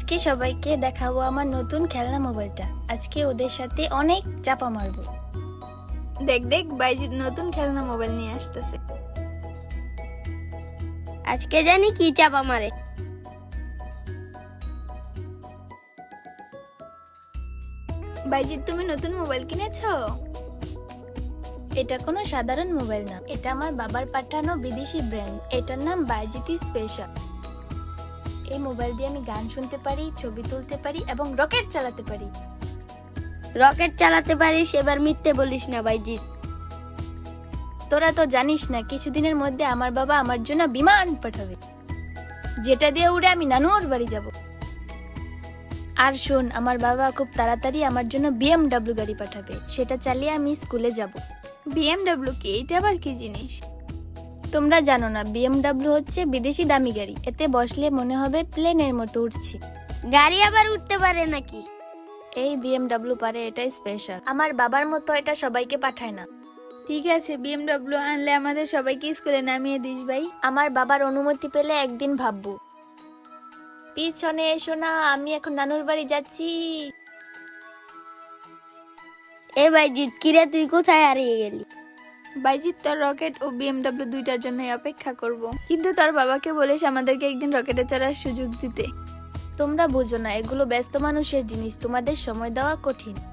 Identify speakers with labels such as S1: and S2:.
S1: আজকে সবাইকে দেখাবো আমার নতুন খেলনা মোবাইলটা। আজকে ওদের সাথে অনেক চাপা মারবো।
S2: দেখ দেখ বাইজিৎ নতুন খেলনা মোবাইল নিয়ে আসতেছে।
S3: আজকে জানি কি চাপা মারে।
S2: বাইজিৎ তুমি নতুন মোবাইল কিনেছো?
S1: এটা কোনো সাধারণ মোবাইল না, এটা আমার বাবার পাঠানো বিদেশি ব্র্যান্ড। এটার নাম বাইজিতি স্পেশাল। এই মোবাইল দিয়ে আমি গান শুনতে পারি, ছবি তুলতে পারি এবং রকেট চালাতে পারি।
S3: রকেট চালাতে পারিস, এবার মিথ্যে বলিস না বাইজিৎ।
S1: তোরা তো জানিস না, কিছুদিনের মধ্যে আমার বাবা আমার জন্য বিমান পাঠাবে, যেটা দিয়ে উড়ে আমি নানুর বাড়ি যাব। আর শোন, আমার বাবা খুব তাড়াতাড়ি আমার জন্য BMW গাড়ি পাঠাবে, সেটা চালিয়ে আমি স্কুলে যাব।
S2: BMW কি? এটা আবার কি জিনিস?
S1: তোমরা জানো না, BMW হচ্ছে বিদেশি দামি গাড়ি। এতে বসলে মনে হবে প্লেনের মতো উঠছি।
S3: গাড়ি আবার উঠতে পারে নাকি?
S1: এই BMW পারে, এটাই স্পেশাল। আমার বাবার মতো এটা সবাইকে পাঠায় না।
S2: ঠিক আছে, BMW আনলে আমাদের সবাইকে স্কুলে নামিয়ে দিস ভাই।
S1: আমার বাবার অনুমতি পেলে একদিন ভাববো। পিছনে এসো না, আমি এখন নানুর বাড়ি যাচ্ছি।
S3: এ বাইজিৎ, কিরে তুই কোথায় হারিয়ে গেলি?
S2: বাইজিৎ তোর রকেট ও BMW দুইটার জন্যই অপেক্ষা করব, কিন্তু তোর বাবাকে বলিস আমাদেরকে একদিন রকেটে চড়ার সুযোগ দিতে।
S1: তোমরা বুঝো না, এগুলো ব্যস্ত মানুষের জিনিস, তোমাদের সময় দেওয়া কঠিন।